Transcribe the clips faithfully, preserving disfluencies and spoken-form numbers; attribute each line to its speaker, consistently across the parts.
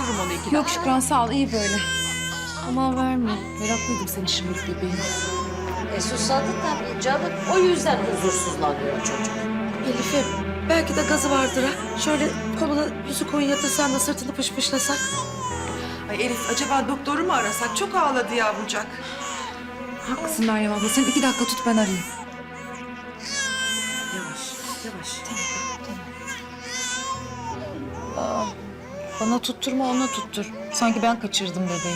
Speaker 1: götürürüm onu iki dakika.
Speaker 2: Yok Şükran sağ ol iyi böyle. Aman verme. Meraklıydım senin şimdilik bebeğim.
Speaker 3: E susadı tabii canım. O yüzden huzursuzlanıyor çocuk.
Speaker 4: Elif'im belki de gazı vardır ha. Şöyle koluna yüzü koyun yatırsan da sırtını pışpışlasak.
Speaker 1: Ay Elif acaba doktoru mu arasak? Çok ağladı yavrucak.
Speaker 2: Haklısın Meryem abla. Sen iki dakika tut ben arayayım.
Speaker 4: Yavaş, yavaş.
Speaker 2: Bana tutturma ona tuttur. Sanki ben kaçırdım bebeği.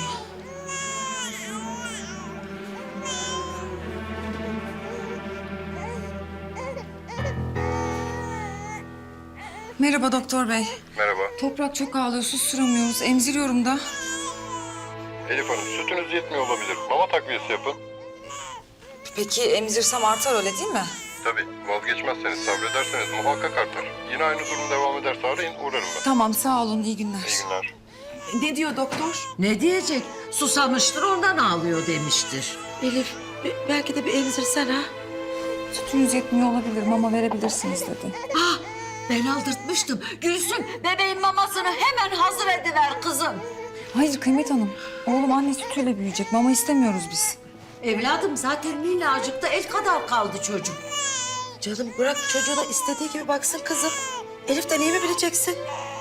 Speaker 2: Merhaba doktor bey.
Speaker 5: Merhaba.
Speaker 2: Toprak çok ağlıyor, susturamıyoruz. Emziriyorum da.
Speaker 5: Elif Hanım, sütünüz yetmiyor olabilir. Mama takviyesi yapın.
Speaker 2: Peki emzirsem artar öyle değil mi?
Speaker 5: Tabii, vazgeçmezseniz, sabrederseniz muhakkak artar. Yine aynı durum devam ederse arayın, uğrarım ben.
Speaker 2: Tamam sağ olun, iyi günler.
Speaker 5: İyi günler.
Speaker 1: Ne diyor doktor?
Speaker 3: Ne diyecek? Susamıştır ondan ağlıyor demiştir.
Speaker 4: Elif be- belki de bir emzirsen ha.
Speaker 2: Sütünüz yetmiyor olabilir, mama verebilirsiniz dedi.
Speaker 3: Ah ben aldırtmıştım. Gülsüm bebeğin mamasını hemen hazır ediver kızım.
Speaker 2: Hayır Kıymet Hanım, oğlum anne sütüyle büyüyecek. Mama istemiyoruz biz.
Speaker 3: Evladım zaten minnacıkta el kadar kaldı çocuk.
Speaker 4: Canım bırak çocuğuna istediği gibi baksın kızım. Elif'ten iyi mi bileceksin?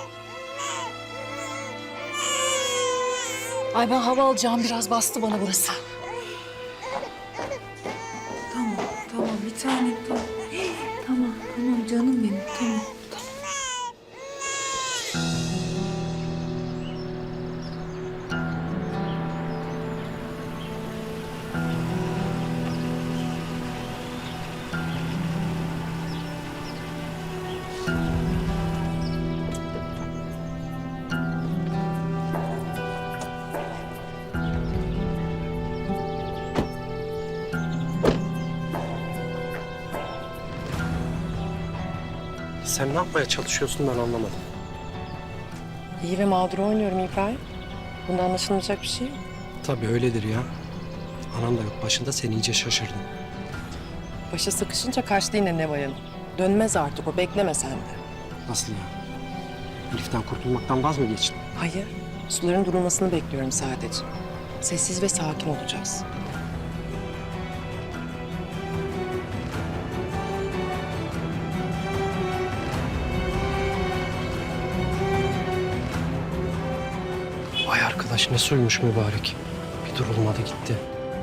Speaker 2: Ay ben hava alacağım, biraz bastı bana burası. Tamam, tamam bir tanem tamam. Tamam, tamam canım benim, tamam.
Speaker 6: Sen ne yapmaya çalışıyorsun ben anlamadım.
Speaker 7: İyi ve mağdur oynuyorum İbrahim. Bunda anlaşılmayacak bir şey yok.
Speaker 6: Tabii öyledir ya. Anan da yok başında, sen iyice şaşırdın.
Speaker 7: Başa sıkışınca kaçtı yine Neval Hanım. Dönmez artık o, bekleme sen de.
Speaker 6: Nasıl ya? Elif'ten kurtulmaktan vaz mı geçtin?
Speaker 7: Hayır, suların durulmasını bekliyorum sadece. Sessiz ve sakin olacağız.
Speaker 6: Vay arkadaş ne suymuş mübarek. Bir durulmadı gitti.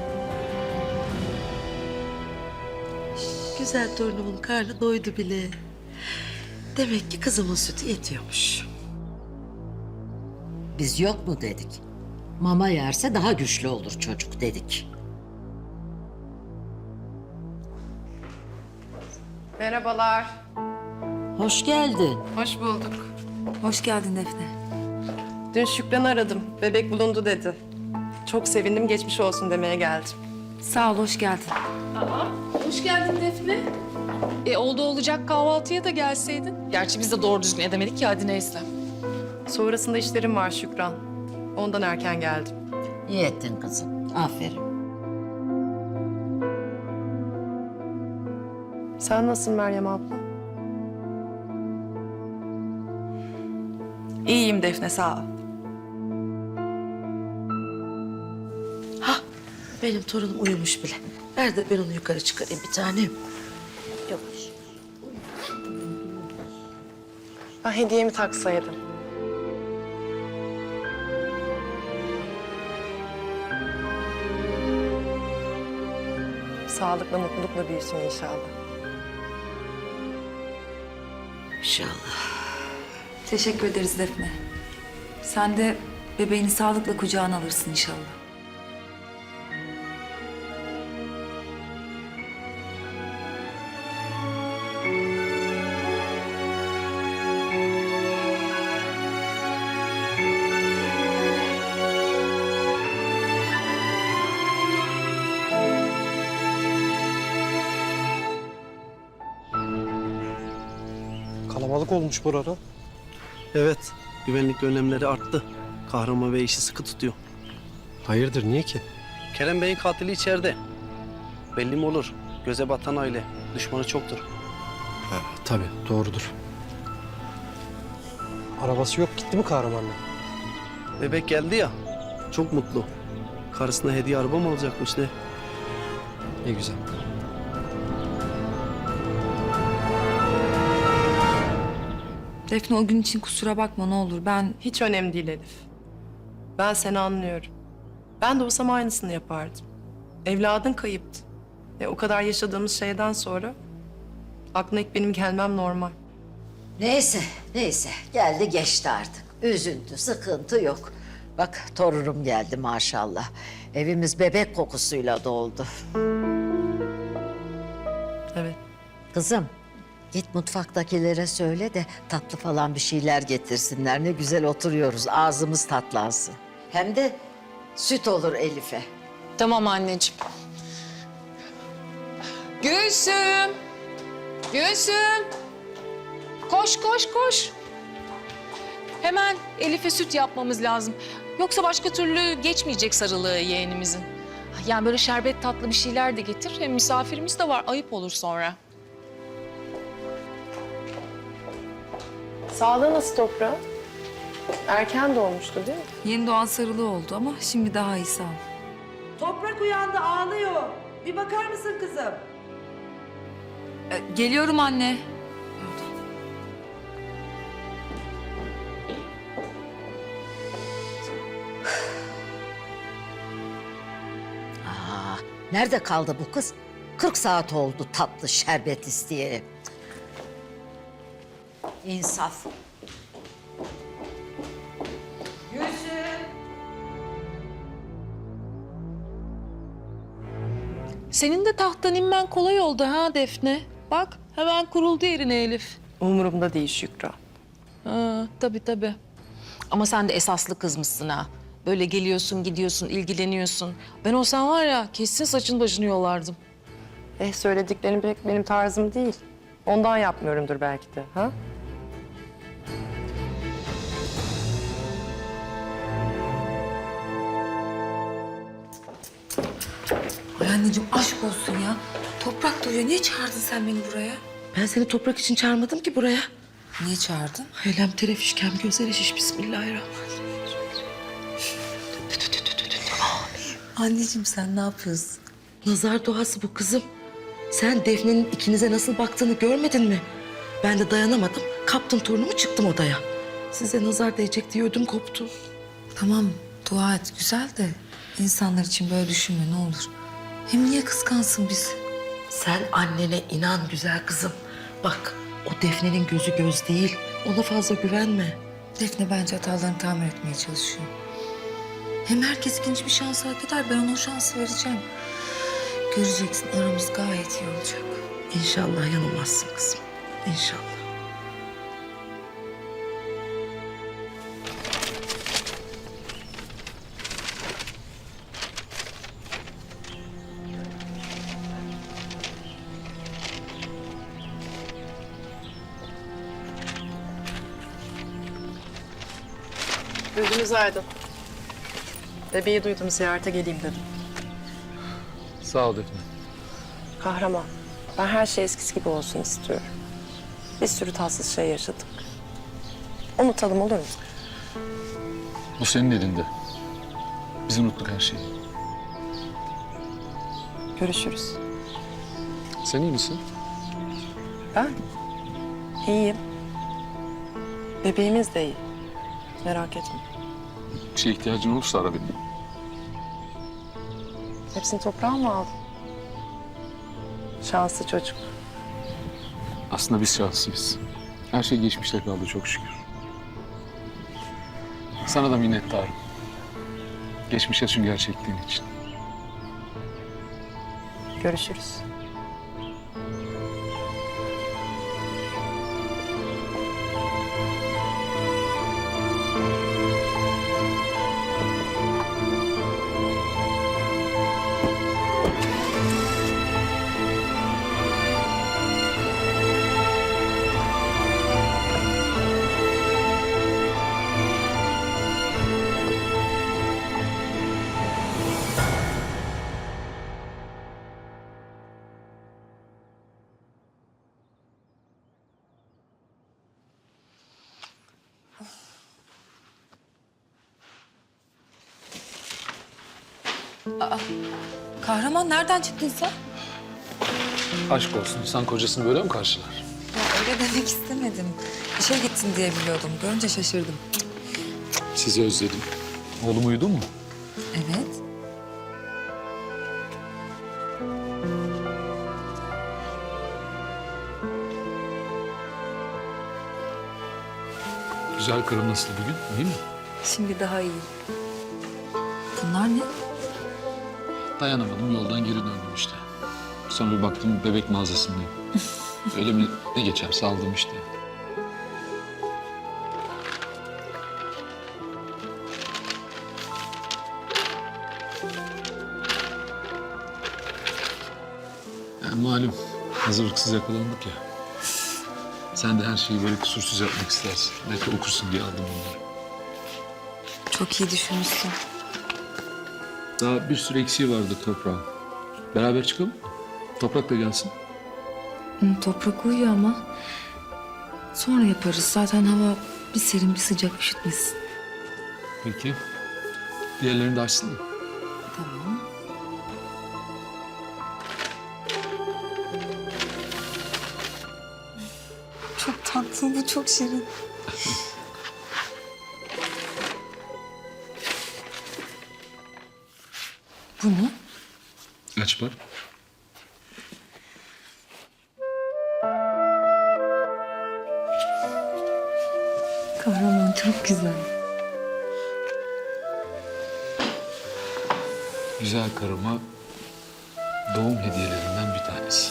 Speaker 4: Güzel torunumun karnı doydu bile. Demek ki kızımın sütü yetiyormuş.
Speaker 3: Biz yok mu dedik. Mama yerse daha güçlü olur çocuk dedik.
Speaker 7: Merhabalar.
Speaker 3: Hoş geldin.
Speaker 7: Hoş bulduk.
Speaker 2: Hoş geldin Defne.
Speaker 7: Dün Şükran'ı aradım. Bebek bulundu dedi. Çok sevindim, geçmiş olsun demeye geldim.
Speaker 2: Sağ ol, hoş geldin.
Speaker 8: Hoş geldin Defne. E oldu olacak kahvaltıya da gelseydin. Gerçi biz de doğru düzgün edemedik ya, hadi neyse.
Speaker 7: Sonrasında işlerim var Şükran. Ondan erken geldim.
Speaker 3: İyi ettin kızım. Aferin.
Speaker 7: Sen nasılsın Meryem abla?
Speaker 1: İyiyim Defne sağ ol.
Speaker 4: Benim torunum uyumuş bile. Ver de ben onu yukarı çıkarayım bir tanem. Yavaş.
Speaker 7: Ben hediyemi taksaydım. Sağlıkla, mutlulukla büyüsün inşallah.
Speaker 4: İnşallah.
Speaker 2: Teşekkür ederiz Defne. Sen de bebeğini sağlıkla kucağına alırsın inşallah.
Speaker 6: Kalabalık olmuş burada.
Speaker 9: Evet, güvenlik önlemleri arttı. Kahraman Bey işi sıkı tutuyor.
Speaker 6: Hayırdır niye ki?
Speaker 9: Kerem Bey'in katili içeride. Belli mi olur? Göze batan aile, düşmanı çoktur.
Speaker 6: Ha, tabii doğrudur. Arabası yok, gitti mi kahramanla?
Speaker 9: Bebek geldi ya, çok mutlu. Karısına hediye araba mı alacakmış ne?
Speaker 6: Ne güzel.
Speaker 2: Defne o gün için kusura bakma ne olur. Ben
Speaker 7: Hiç önemli değil Elif. Ben seni anlıyorum. Ben de olsam aynısını yapardım. Evladın kayıptı. E, o kadar yaşadığımız şeyden sonra aklına ilk benim gelmem normal.
Speaker 3: Neyse, neyse. Geldi geçti artık. Üzüntü, sıkıntı yok. Bak torunum geldi maşallah. Evimiz bebek kokusuyla doldu.
Speaker 7: Evet.
Speaker 3: Kızım, git mutfaktakilere söyle de tatlı falan bir şeyler getirsinler. Ne güzel oturuyoruz, ağzımız tatlansın. Hem de süt olur Elif'e.
Speaker 8: Tamam anneciğim. Gülsüm. Gülsüm. Koş koş koş. Hemen Elif'e süt yapmamız lazım. Yoksa başka türlü geçmeyecek sarılığı yeğenimizin. Yani böyle şerbet tatlı bir şeyler de getir. Hem misafirimiz de var. Ayıp olur sonra.
Speaker 7: Sağlığı nasıl toprağı? Erken doğmuştu değil mi?
Speaker 2: yeni doğan sarılığı oldu ama şimdi daha iyi sağ ol.
Speaker 4: Toprak uyandı ağlıyor. Bir bakar mısın kızım?
Speaker 2: Ee, geliyorum anne.
Speaker 3: Aa, nerede kaldı bu kız? Kırk saat oldu tatlı şerbet isteyerek. İnsaf.
Speaker 8: Senin de tahttan inmen kolay oldu ha Defne. Bak hemen kuruldu yerine Elif.
Speaker 7: Umurumda değil Şükran.
Speaker 8: Ha, tabii tabii. Ama sen de esaslı kızmışsın ha. Böyle geliyorsun, gidiyorsun, ilgileniyorsun. Ben olsam var ya kesin saçın başını yolardım.
Speaker 7: Eh söylediklerin pek benim tarzım değil. Ondan yapmıyorumdur belki de. Ha?
Speaker 2: Ay anneciğim aşk olsun ya. Toprak duyuyor. Niye çağırdın sen beni buraya?
Speaker 4: Ben seni toprak için çağırmadım ki buraya.
Speaker 2: Niye çağırdın?
Speaker 4: Helem terefişkem gözleri şiş bismillahirrahmanirrahim.
Speaker 2: Anneciğim sen ne yapıyorsun?
Speaker 4: Nazar doğası bu kızım. Sen Defne'nin ikinize nasıl baktığını görmedin mi? Ben de dayanamadım. Kaptım torunumu çıktım odaya. Size nazar değecek diye ödüm koptu.
Speaker 2: Tamam dua et güzel de insanlar için böyle düşünme ne olur. Hem niye kıskansın bizi?
Speaker 4: Sen annene inan güzel kızım. Bak o Defne'nin gözü göz değil. Ona fazla güvenme.
Speaker 2: Defne bence hatalarını tamir etmeye çalışıyor. Hem herkes ikinci bir şans hak eder. Ben ona o şansı vereceğim. Göreceksin aramız gayet iyi olacak.
Speaker 4: İnşallah yanılmazsın kızım. İnşallah.
Speaker 7: Gözünüz aydın. Bebeği duydum, ziyarete geleyim dedim.
Speaker 6: Sağ ol Defne.
Speaker 7: Kahraman, ben her şey eskisi gibi olsun istiyorum. Bir sürü tatsız şey yaşadık. Unutalım olur mu?
Speaker 10: Bu senin elinde. Biz unuttuk her şeyi.
Speaker 7: Görüşürüz.
Speaker 10: Sen iyi misin?
Speaker 7: Ben iyiyim. Bebeğimiz de iyi. Merak etme.
Speaker 10: Bir şeye ihtiyacın olursa ara beni.
Speaker 7: Hepsini toprağa mı aldın? Şanslı çocuk.
Speaker 10: Aslında biz şanslıyız. Her şey geçmişte kaldı çok şükür. Sana da minnettarım. Geçmiş yaşın gerçekliğin için.
Speaker 7: Görüşürüz.
Speaker 2: Kahraman nereden çıktın sen?
Speaker 10: Aşk olsun. İnsan kocasını böyle mi karşılar?
Speaker 2: Ya öyle demek istemedim. İşe gittin diye biliyordum. Görünce şaşırdım.
Speaker 10: Sizi özledim. Oğlum uyudu mu?
Speaker 2: Evet.
Speaker 10: Güzel karım nasıl bugün? İyi mi?
Speaker 2: Şimdi daha iyi. Bunlar ne?
Speaker 10: Dayanamadım. Yoldan geri döndüm işte. Sonra bir baktım bebek mağazasındayım. Öyle mi ne geçerse aldım işte. Yani malum hazırlıksız yakalandık ya. Sen de her şeyi böyle kusursuz yapmak istersin. Belki okursun diye aldım bunları.
Speaker 2: Çok iyi düşünmüşsün.
Speaker 10: Daha bir sürü eksiği vardı toprağın. Beraber çıkalım mı? Toprak da gelsin.
Speaker 2: Hı, toprak uyuyor ama. Sonra yaparız. Zaten hava bir serin bir sıcak üşütmesin.
Speaker 10: Peki. Diğerlerini de açsın mı?
Speaker 2: Tamam. Çok tatlı, bu çok şirin. Bu ne?
Speaker 10: Aç bak.
Speaker 2: Kahraman çok güzel.
Speaker 10: Güzel karıma doğum hediyelerinden bir tanesi.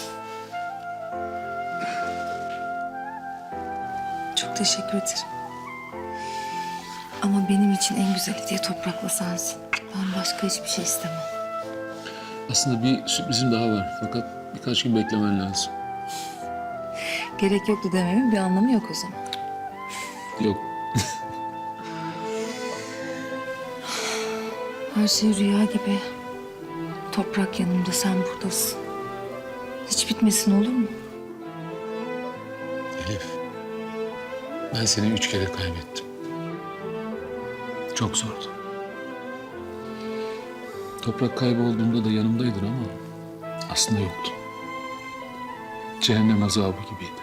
Speaker 2: Çok teşekkür ederim. Ama benim için en güzel hediye toprakla sensin. Ben başka hiçbir şey istemem.
Speaker 10: Aslında bir sürprizim daha var. Fakat birkaç gün beklemen lazım.
Speaker 2: Gerek yoktu dememin bir anlamı yok o zaman.
Speaker 10: Yok.
Speaker 2: Her şey rüya gibi. Toprak yanımda, sen buradasın. Hiç bitmesin olur mu?
Speaker 10: Elif. Ben seni üç kere kaybettim. Çok zordu. Toprak kaybolduğunda da yanımdaydın ama aslında yoktu. Cehennem azabı gibiydi.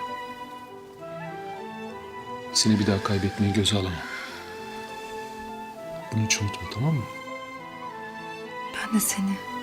Speaker 10: Seni bir daha kaybetmeyi göze alamam. Bunu hiç unutma, tamam mı?
Speaker 2: Ben de seni